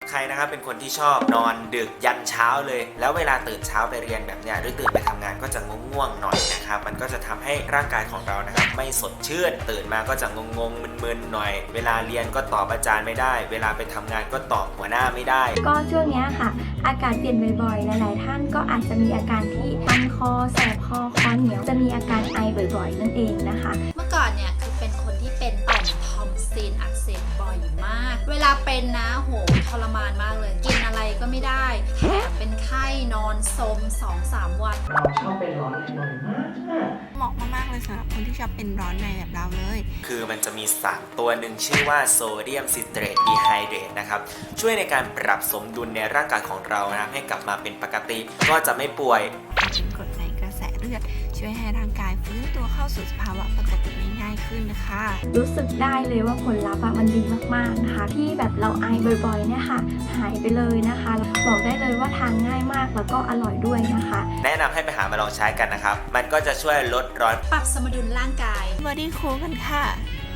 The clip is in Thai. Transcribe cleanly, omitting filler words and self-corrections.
ใครนะครับเป็นคนที่ชอบนอนดึกยันเช้าเลยแล้วเวลาตื่นเช้าไปเรียนแบบเนี้ยหรือตื่นไปทำงานก็จะง่วงๆหน่อยนะครับมันก็จะทำให้ร่างกายของเรานะครับไม่สดชื่นตื่นมาก็จะงงๆมึนๆหน่อยเวลาเรียนก็ตอบอาจารย์ไม่ได้เวลาไปทำงานก็ตอบหัวหน้าไม่ได้ก็ช่วงนี้ค่ะอากาศเปลี่ยนบ่อยๆหลายๆท่านก็อาจจะมีอาการที่คันคอแสบคอเหนียวจะมีอาการไอบ่อยๆนั่นเองนะคะเมื่อก่อนเนี่ยคือเป็นคนที่เป็นต่อมทอมซินอักเสบบ่อยมากเวลาเป็นนะโหทรมานมากเลยกินอะไรก็ไม่ได้แถมเป็นไข้นอนสม 2-3 วันเราชอบเป็นร้อนในบ่อยมากเหมาะมากๆเลยสำหรับคนที่ชอบเป็นร้อนในแบบเราเลยคือมันจะมีสารตัวหนึ่งชื่อว่าโซเดียมซิตรตดีไฮเดรตนะครับช่วยในการปรับสมดุลในร่างกายของเรานะให้กลับมาเป็นปกติก็จะไม่ป่วยเป็นกรดในกระแสเลือดช่วยให้ร่างกายฟื้นตัวเข้าสู่สภาวะปกติได้ง่ายขึ้นนะคะรู้สึกได้เลยว่าผลลัพธ์มันดีมากๆนะคะที่แบบเราไอบ่อยๆเนี่ยค่ะหายไปเลยนะคะบอกได้เลยว่าทานง่ายมากแล้วก็อร่อยด้วยนะคะแนะนำให้ไปหามาลองใช้กันนะครับมันก็จะช่วยลดร้อนปรับสมดุลร่างกาย Body Cool กันค่ะ